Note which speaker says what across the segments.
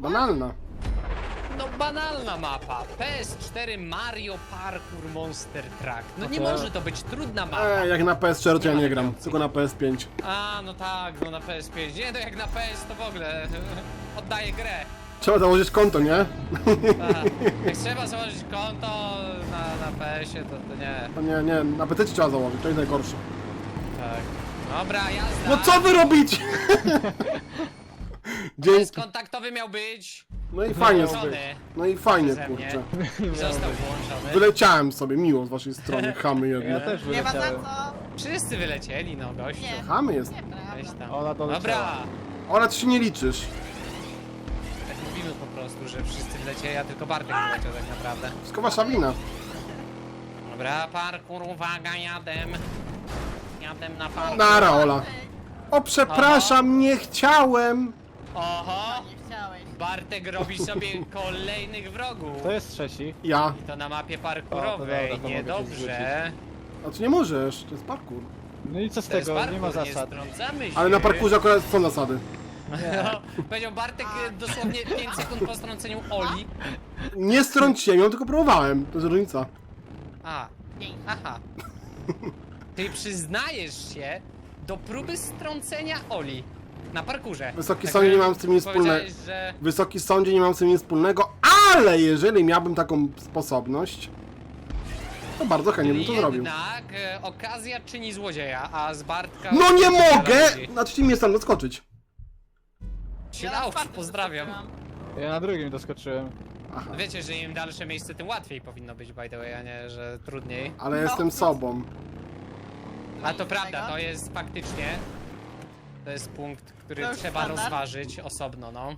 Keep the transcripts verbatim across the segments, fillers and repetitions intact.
Speaker 1: Banalna.
Speaker 2: No banalna mapa. P S cztery Mario Parkour Monster Truck. No nie
Speaker 3: No to-
Speaker 2: może to być trudna mapa.
Speaker 1: Eee, jak na P S cztery to ja
Speaker 2: Nie ma
Speaker 1: nie
Speaker 2: takiej
Speaker 1: gram,
Speaker 2: opcji.
Speaker 1: tylko na P S pięć.
Speaker 2: A, no tak, no na P S pięć. Nie, no jak na P S to w ogóle oddaję grę.
Speaker 1: Trzeba założyć konto, nie?
Speaker 2: Aha. Jak trzeba założyć konto na, na P S ie, to, to nie.
Speaker 1: To nie, nie, na P C trzeba założyć, to jest najgorsze.
Speaker 2: Tak. Dobra, jazda.
Speaker 1: No co wy robicie? Dzięki.
Speaker 2: Kontaktowy miał być.
Speaker 1: No i fajnie
Speaker 2: Włączony.
Speaker 1: sobie. No i fajnie,
Speaker 2: Przeze mnie.
Speaker 1: kurczę.
Speaker 2: Został włączony.
Speaker 1: Wyleciałem sobie, miło z waszej strony, chamy
Speaker 3: Ja
Speaker 1: jedne.
Speaker 3: też
Speaker 4: Nie ma za
Speaker 3: wyleciałem.
Speaker 4: co.
Speaker 2: Wszyscy wylecieli, no gościu.
Speaker 4: Nie.
Speaker 1: Chamy jest.
Speaker 2: Weź
Speaker 4: Nieprawda.
Speaker 2: tam.
Speaker 3: Ona doleciała.
Speaker 2: Dobra.
Speaker 1: Ona ty się nie liczysz.
Speaker 2: Tak mówimy po prostu, że wszyscy wlecieli, a tylko Bartek wyleciał tak naprawdę.
Speaker 1: Wszystko wasza wina.
Speaker 2: Dobra, parkour, uwaga, jadę. Jadę na parkour.
Speaker 1: Nara, Ola. O, przepraszam, nie chciałem.
Speaker 2: Oho!
Speaker 4: Nie chciałeś.
Speaker 2: Bartek robi sobie kolejnych wrogów.
Speaker 3: To jest trzeci.
Speaker 1: Ja.
Speaker 2: I to na mapie
Speaker 3: O, to
Speaker 2: parkurowej.
Speaker 3: dobra, to mogę się
Speaker 2: Niedobrze.
Speaker 1: A ty nie możesz, to jest parkour.
Speaker 3: No i co z
Speaker 2: To jest
Speaker 3: tego?
Speaker 2: parkour,
Speaker 3: Nie ma
Speaker 2: nie
Speaker 3: zasad.
Speaker 2: strącamy się.
Speaker 1: Ale na parkurze akurat są zasady.
Speaker 2: No, powiedział Bartek e, dosłownie pięć sekund po strąceniu Oli.
Speaker 1: Nie strąciłem ją, tylko próbowałem. To jest różnica.
Speaker 2: A, aha. Ty przyznajesz się do próby strącenia Oli na parkurze.
Speaker 1: Wysoki
Speaker 2: Tak
Speaker 1: sądzie, nie
Speaker 2: powiem-
Speaker 1: mam z tym nic wspólnego.
Speaker 2: powiedziałeś, że...
Speaker 1: Wysoki sądzie, nie mam z tym nic wspólnego, ale jeżeli miałbym taką sposobność, to bardzo chętnie bym to zrobił.
Speaker 2: Jednak e, okazja czyni złodzieja, a z Bartka...
Speaker 1: No nie
Speaker 2: wiele
Speaker 1: mogę!
Speaker 2: ludzi.
Speaker 1: Znaczy mi jest tam doskoczyć.
Speaker 2: Się
Speaker 4: Ja na
Speaker 2: dało,
Speaker 4: czwartym
Speaker 2: pozdrawiam.
Speaker 4: doskoczyłam.
Speaker 3: Ja na drugim doskoczyłem.
Speaker 1: Aha.
Speaker 2: Wiecie, że im dalsze miejsce, tym łatwiej powinno być, by the way, a nie, że trudniej.
Speaker 1: Ale
Speaker 4: No.
Speaker 1: jestem sobą.
Speaker 2: A to
Speaker 4: Nic
Speaker 2: prawda,
Speaker 4: tego.
Speaker 2: to jest faktycznie... To jest punkt, który
Speaker 4: To już
Speaker 2: trzeba
Speaker 4: standard.
Speaker 2: rozważyć osobno, no.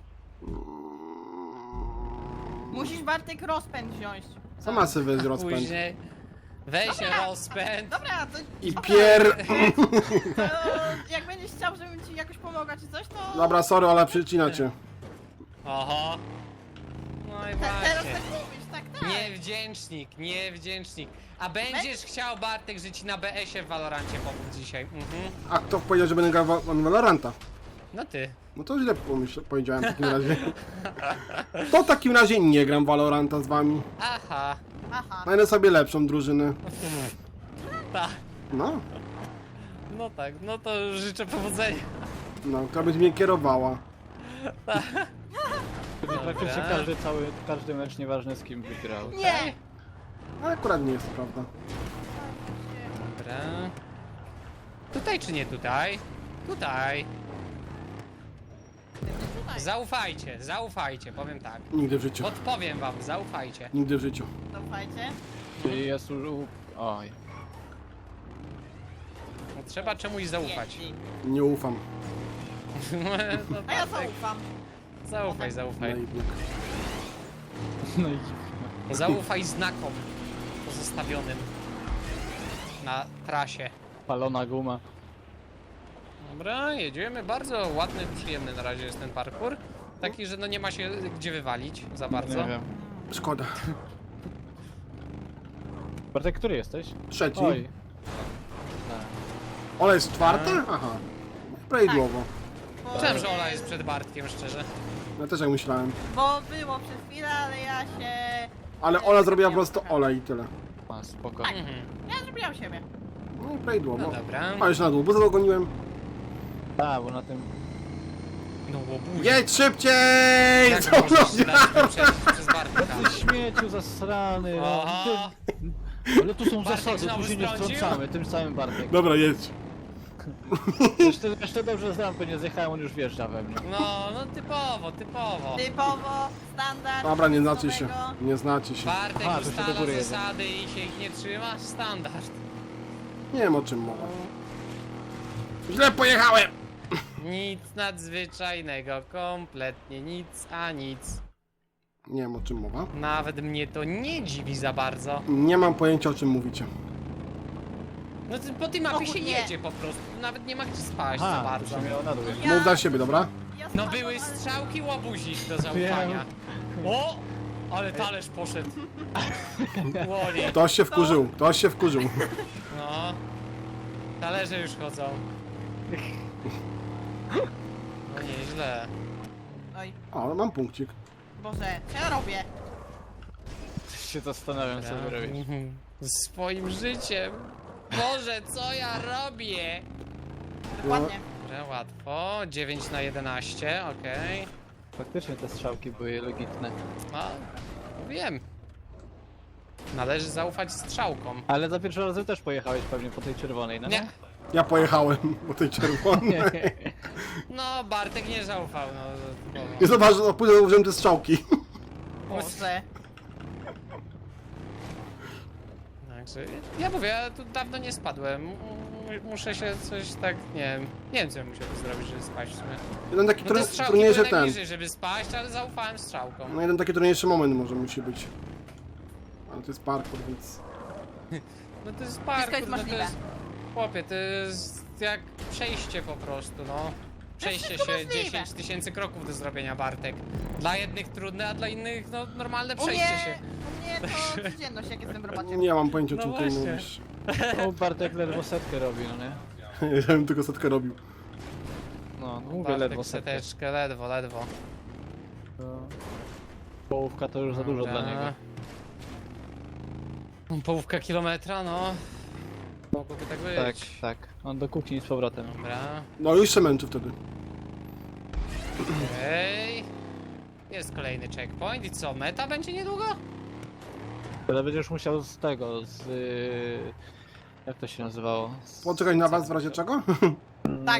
Speaker 4: Musisz Bartek rozpęd wziąć.
Speaker 1: Sama sobie weź rozpęd.
Speaker 2: Później weź rozpęd.
Speaker 4: Dobra, to,
Speaker 1: I pier...
Speaker 4: to jak będziesz chciał, żebym ci jakoś pomogła czy coś, to...
Speaker 1: Dobra, sorry, ale przycina cię.
Speaker 2: Oho. No i
Speaker 4: Te, teraz
Speaker 2: właśnie.
Speaker 4: tak mówisz, tak, tak.
Speaker 2: Niewdzięcznik, niewdzięcznik. A będziesz chciał, Bartek, że ci na B S ie w Valorancie pomóc dzisiaj. Mhm.
Speaker 1: A kto powiedział, że będę grał w w Valoranta?
Speaker 2: No ty.
Speaker 1: No to źle pomyśl, powiedziałem w takim razie. To w takim razie nie gram w Valoranta z wami.
Speaker 2: Aha.
Speaker 4: Aha.
Speaker 1: Znajdę sobie lepszą drużynę.
Speaker 2: Tak.
Speaker 1: No,
Speaker 2: No tak, no to życzę powodzenia.
Speaker 1: no, która będzie mnie kierowała.
Speaker 3: Wtedy praktycznie każdy cały, każdy mecz, nieważne z kim wygrał.
Speaker 4: Nie!
Speaker 1: Ale akurat nie jest to prawda.
Speaker 2: Dobra. Tutaj czy nie tutaj? Tutaj.
Speaker 4: Tutaj.
Speaker 2: Zaufajcie, zaufajcie, powiem tak.
Speaker 1: Nigdy w życiu.
Speaker 2: Podpowiem wam, zaufajcie.
Speaker 1: Nigdy w życiu.
Speaker 4: Zaufajcie.
Speaker 3: Czyli jest już... u- Oj.
Speaker 2: No, trzeba czemuś zaufać.
Speaker 4: Jeździ.
Speaker 1: Nie ufam.
Speaker 2: No,
Speaker 4: A ja
Speaker 2: Bartek,
Speaker 4: zaufam.
Speaker 2: zaufaj, zaufaj.
Speaker 1: Naiwnik.
Speaker 3: No i...
Speaker 2: Zaufaj znakom pozostawionym na trasie.
Speaker 3: Palona guma.
Speaker 2: Dobra, jedziemy. Bardzo ładny, przyjemny na razie jest ten parkour. Taki, że no nie ma się gdzie wywalić za bardzo.
Speaker 3: Nie wiem.
Speaker 1: Szkoda.
Speaker 3: Bartek, który jesteś?
Speaker 1: Trzeci.
Speaker 3: Oj.
Speaker 1: Ola jest czwarta? Aha. Prawidłowo.
Speaker 4: Bo,
Speaker 2: Myślałem, że Ola jest przed Bartkiem, szczerze.
Speaker 1: Ja też tak myślałem.
Speaker 4: Bo było przez chwilę, ale ja się...
Speaker 1: Ale Ola zrobiła po prostu Ola i tyle.
Speaker 3: A, spoko.
Speaker 2: Mhm.
Speaker 4: Ja zrobiłam siebie.
Speaker 1: No i prawidłowo.
Speaker 2: No dobra.
Speaker 1: A już na dół, bo zadogoniłem.
Speaker 3: A, bo na tym...
Speaker 2: No łobuzie.
Speaker 1: Jedź szybciej!
Speaker 2: Jak
Speaker 1: Co
Speaker 2: możesz
Speaker 1: no,
Speaker 2: się dać wyprzedzić przez Bartka?
Speaker 3: Ty śmieciu zasrany! no.
Speaker 2: Oho!
Speaker 3: Ty- Ale tu są
Speaker 2: Bartek
Speaker 3: zasady,
Speaker 2: znowu
Speaker 3: tu się nie
Speaker 2: strącił?
Speaker 3: wtrącamy, tym samym Bartek.
Speaker 1: Dobra, jedź.
Speaker 3: Jeszcze, jeszcze dobrze znam, bo nie zjechałem, on już wjeżdża we mnie.
Speaker 2: No, no typowo, typowo.
Speaker 4: Typowo, standard.
Speaker 1: Dobra, nie znacie się.
Speaker 4: nowego.
Speaker 1: Nie znacie się.
Speaker 2: Bartek
Speaker 3: A, to się do
Speaker 2: ustala
Speaker 3: góry jedzie.
Speaker 2: zasady i się ich nie trzyma? Standard.
Speaker 1: Nie wiem o czym mowa. Źle pojechałem!
Speaker 2: Nic nadzwyczajnego, kompletnie nic, a nic.
Speaker 1: Nie wiem o czym mowa.
Speaker 2: Nawet mnie to nie dziwi za bardzo.
Speaker 1: Nie mam pojęcia o czym mówicie.
Speaker 2: No to po tej mapie
Speaker 4: Och,
Speaker 2: się
Speaker 4: nie.
Speaker 2: jedzie po prostu, nawet nie ma gdzie spaść za
Speaker 3: Aha, to
Speaker 2: bardzo.
Speaker 3: się miało na dół.
Speaker 4: Ja-
Speaker 1: Mów dla siebie, dobra?
Speaker 4: Ja
Speaker 2: No
Speaker 4: spadłam,
Speaker 2: były
Speaker 4: ale-
Speaker 2: strzałki łobuzik do zaufania. O! Ale talerz poszedł. Łoli.
Speaker 1: Ktoś się wkurzył, ktoś się wkurzył.
Speaker 2: No. Talerze już chodzą. No nieźle.
Speaker 4: Oj,
Speaker 1: O, mam punkcik.
Speaker 4: Boże, co ja robię?
Speaker 3: Się zastanawiam, co wy robisz.
Speaker 2: Mhm. Swoim życiem. Boże, co ja robię?
Speaker 4: Dokładnie.
Speaker 2: Dobra, łatwo. dziewięć na jedenaście, okej.
Speaker 3: Faktycznie te strzałki były legitne.
Speaker 2: No, wiem. Należy zaufać strzałkom.
Speaker 3: Ale za pierwszym razem też pojechałeś pewnie po tej czerwonej, no
Speaker 2: Nie.
Speaker 1: Ja pojechałem po tej czerwonej.
Speaker 3: Nie.
Speaker 2: No, Bartek nie zaufał, no. typowo.
Speaker 1: I zobacz, no później użyłem te strzałki.
Speaker 4: Boże.
Speaker 2: Także, ja mówię, ja tu dawno nie spadłem. M- Muszę się coś tak, nie wiem, nie wiem co ja musiałbym zrobić, żeby spaść w sumie.
Speaker 1: Jeden taki
Speaker 2: No te
Speaker 1: trudny-
Speaker 2: strzałki
Speaker 1: trudniejszy
Speaker 2: były
Speaker 1: ten.
Speaker 2: najbliżej, żeby spaść, ale zaufałem strzałkom.
Speaker 1: No jeden taki trudniejszy moment może musi być. Ale to jest parkour, więc...
Speaker 2: No to jest
Speaker 4: Wszystko
Speaker 2: parkour,
Speaker 4: jest
Speaker 2: no to
Speaker 4: możliwe.
Speaker 2: jest... Chłopie, to jest jak przejście po prostu, no. Przejście
Speaker 4: wszystko
Speaker 2: się
Speaker 4: możliwe.
Speaker 2: dziesięć tysięcy kroków do zrobienia, Bartek. Dla jednych trudne, a dla innych, no, normalne
Speaker 4: U
Speaker 2: przejście
Speaker 4: mnie,
Speaker 2: się.
Speaker 4: u mnie to codzienność, jak jestem w robocie.
Speaker 1: Nie mam pojęcia o
Speaker 2: No
Speaker 1: czym ty
Speaker 2: właśnie.
Speaker 1: mówisz.
Speaker 3: O, Bartek ledwo setkę robi, no nie?
Speaker 1: Ja bym tylko setkę robił.
Speaker 3: No, mówię
Speaker 2: Bartek
Speaker 3: ledwo setkę.
Speaker 2: seteczkę, ledwo, ledwo.
Speaker 3: To... Połówka to już za dużo dla niego.
Speaker 2: Połówka kilometra, no. Mogłoby tak być.
Speaker 3: Tak, tak. On do kuchni z powrotem.
Speaker 2: Dobra,
Speaker 1: No już się męczy wtedy.
Speaker 2: okej. Jest kolejny checkpoint i co, meta będzie niedługo?
Speaker 3: Ale będziesz musiał z tego, z... y, Jak to się nazywało? Z...
Speaker 1: Poczekaj na was w razie czego?
Speaker 4: Tak.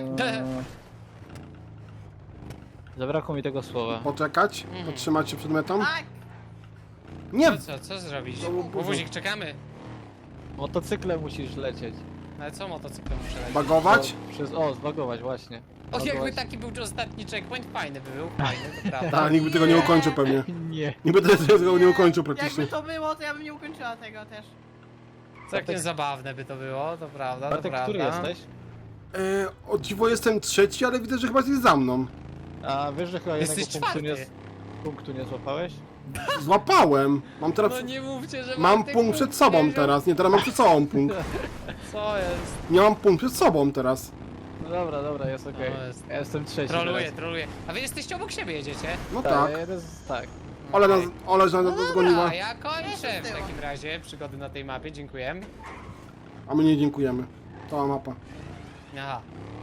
Speaker 3: Zabrakło mi tego słowa.
Speaker 1: Poczekać?
Speaker 2: Mhm.
Speaker 1: Potrzymać się przed metą?
Speaker 4: Tak,
Speaker 1: Nie!
Speaker 2: No co, co zrobić?
Speaker 1: To był buzu.
Speaker 2: Wuzik, czekamy.
Speaker 3: Motocyklem musisz lecieć.
Speaker 2: Ale co motocyklem muszę lecieć?
Speaker 1: Bagować?
Speaker 3: O, przez... o zbagować właśnie.
Speaker 2: O, jakby
Speaker 3: Zbagować.
Speaker 2: taki był ostatni checkpoint, fajny by był, fajny, to prawda.
Speaker 1: Tak, nikt by tego nie ukończył pewnie.
Speaker 3: Nie.
Speaker 1: Nikt by tego nie ukończył praktycznie.
Speaker 4: jakby to było, to ja bym nie ukończyła tego też.
Speaker 2: Całkiem zabawne by to było, to prawda, to
Speaker 3: Bartek,
Speaker 2: prawda.
Speaker 3: który jesteś?
Speaker 1: E, o dziwo jestem trzeci, ale widzę, że chyba jest za mną.
Speaker 3: A wiesz, że chyba jednego
Speaker 2: Jesteś
Speaker 3: punktu nie,
Speaker 2: czwarty.
Speaker 3: punktu nie złapałeś?
Speaker 1: Złapałem. Mam teraz...
Speaker 2: No nie mówcie, że
Speaker 1: Mam
Speaker 2: Bartek
Speaker 1: punkt przed sobą
Speaker 2: nie wziął-
Speaker 1: teraz. Nie, teraz mam przed sobą punkt.
Speaker 2: Co jest?
Speaker 1: Nie mam punkt przed sobą teraz.
Speaker 3: No dobra, dobra, jest okej.
Speaker 2: No, jest-
Speaker 3: Ja jestem trzeci
Speaker 2: Troluję,
Speaker 3: teraz.
Speaker 2: troluję. A wy jesteście obok siebie, jedziecie?
Speaker 1: No
Speaker 3: Tak,
Speaker 1: tak.
Speaker 3: ja jeden z... tak.
Speaker 1: Ola nas, Ola nas
Speaker 2: No
Speaker 1: zgoniła.
Speaker 2: dobra, ja kończę
Speaker 4: Jestem
Speaker 2: w
Speaker 4: z tyłu.
Speaker 2: takim razie przygody na tej mapie, dziękuję.
Speaker 1: A my nie dziękujemy. Cała mapa.
Speaker 2: Aha.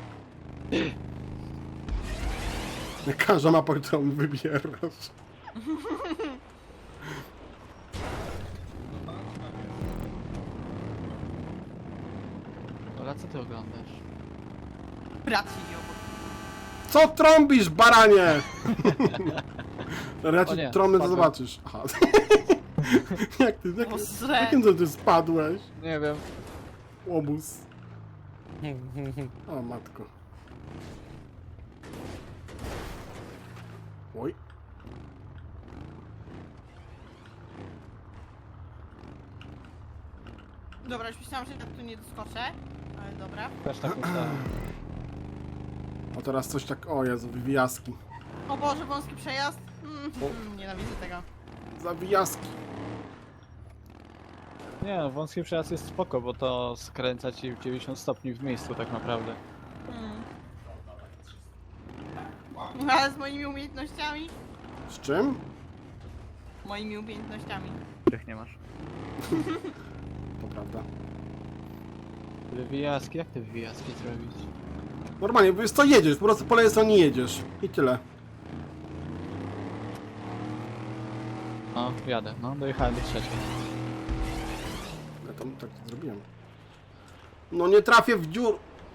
Speaker 1: Każda mapa, którą wybierasz.
Speaker 3: Ola, co ty oglądasz?
Speaker 4: Brat siedzi obok.
Speaker 1: Co trąbisz, baranie? Ja
Speaker 3: O
Speaker 1: ci
Speaker 3: nie,
Speaker 1: trąbę, to
Speaker 3: spadłem.
Speaker 1: zobaczysz. Aha. Jak ty, jak,
Speaker 4: Boże.
Speaker 1: jakim to ty spadłeś?
Speaker 3: Nie wiem.
Speaker 1: Łobuz. O matko. Oj.
Speaker 4: Dobra, już myślałam, że ja tu nie doskoczę. Ale dobra.
Speaker 3: Też tak myślałem.
Speaker 1: A teraz coś tak... O Jezu, wywijaski.
Speaker 4: O Boże, wąski przejazd. Mm, mm, nienawidzę tego.
Speaker 1: Zawijaski.
Speaker 3: Nie no, wąski przejazd jest spoko, bo to skręca ci w dziewięćdziesiąt stopni w miejscu tak naprawdę.
Speaker 4: Mm. Ale z moimi umiejętnościami?
Speaker 1: Z czym?
Speaker 4: Moimi umiejętnościami.
Speaker 3: Których nie masz.
Speaker 1: To prawda.
Speaker 3: Wywijaski? Jak te wywijaski zrobić?
Speaker 1: Normalnie, bo jest to jedziesz, po prostu po lewej stronie jedziesz. I tyle.
Speaker 3: No, jadę. No, dojechałem do trzeciej.
Speaker 1: Ja tam tak to zrobiłem. No nie trafię w dziur.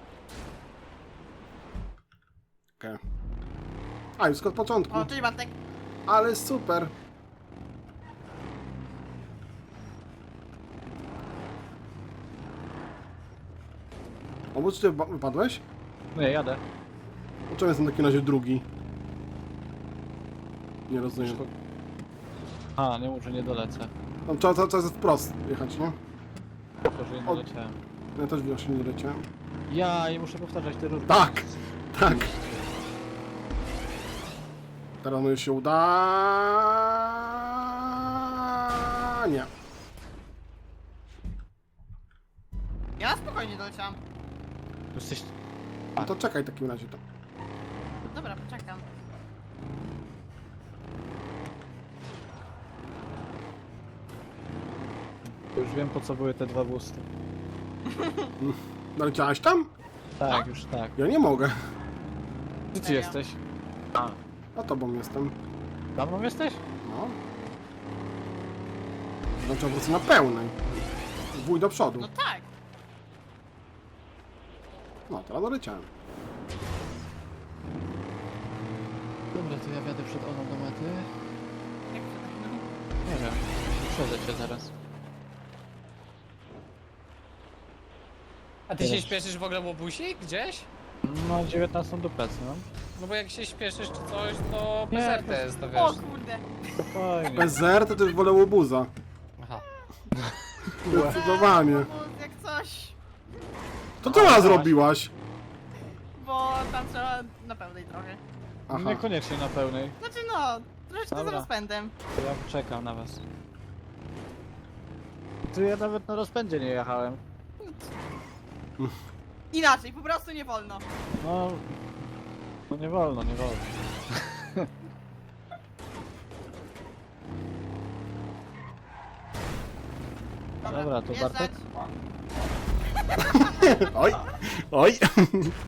Speaker 1: Okej. Okay. A, już od początku.
Speaker 4: O, cześć Bartek.
Speaker 1: Ale super. O, bo czy ty ba- wypadłeś?
Speaker 3: Nie, jadę.
Speaker 1: Dlaczego jestem w takim razie drugi? Nie rozumiem.
Speaker 3: A, nie może nie dolecę.
Speaker 1: Tam trzeba cały czas wprost jechać, nie?
Speaker 3: Tylko, że nie
Speaker 1: O.
Speaker 3: doleciałem.
Speaker 1: Ja też właśnie nie leciałem.
Speaker 3: Ja i muszę powtarzać te ruchy.
Speaker 1: Tak! Tak! Teraz może się uda. Nie.
Speaker 4: Ja na spokojnie doleciałam.
Speaker 3: Jesteś...
Speaker 1: No to czekaj w takim razie to.
Speaker 4: Dobra, poczekam.
Speaker 3: Już wiem po co były te dwa busty.
Speaker 1: Naleciałaś tam?
Speaker 3: Tak, już tak.
Speaker 1: Ja nie mogę.
Speaker 3: Gdzie ty
Speaker 4: Serio?
Speaker 3: jesteś? A,
Speaker 1: A tobą jestem.
Speaker 3: za mną jesteś?
Speaker 1: No. Znaczy po prostu na pełnej. Wuj do przodu.
Speaker 4: No tak.
Speaker 1: No, teraz doleciałem.
Speaker 3: Dobra, to ja wjadę przed Olą do mety.
Speaker 4: Jak to tak?
Speaker 3: Nie wiem, przejdę cię zaraz.
Speaker 2: A ty się
Speaker 3: Teraz.
Speaker 2: śpieszysz w ogóle łobusi gdzieś?
Speaker 3: No, dziewiętnastą do pracy, no.
Speaker 2: No bo jak się śpieszysz czy coś, to
Speaker 3: Nie,
Speaker 2: bez R
Speaker 3: to-
Speaker 2: T jest, to
Speaker 4: O
Speaker 2: wiesz.
Speaker 4: kurde.
Speaker 3: Spokojnie.
Speaker 1: Bez zer to też wolę łobuza.
Speaker 2: Aha.
Speaker 1: Zdecydowanie.
Speaker 4: Eee, bo jak coś,
Speaker 1: To co ona zrobiłaś?
Speaker 4: bo tam trzeba na pełnej trochę.
Speaker 1: Aha.
Speaker 3: Niekoniecznie na pełnej.
Speaker 4: Znaczy no, troszeczkę z
Speaker 3: Dobra.
Speaker 4: rozpędem.
Speaker 3: To ja czekam na was. Tu ja nawet na rozpędzie nie jechałem.
Speaker 4: Inaczej, po prostu nie wolno.
Speaker 3: No... No nie wolno, nie wolno. Dobra, to
Speaker 4: wjeżdżać.
Speaker 3: Bartek?
Speaker 1: Oj, oj.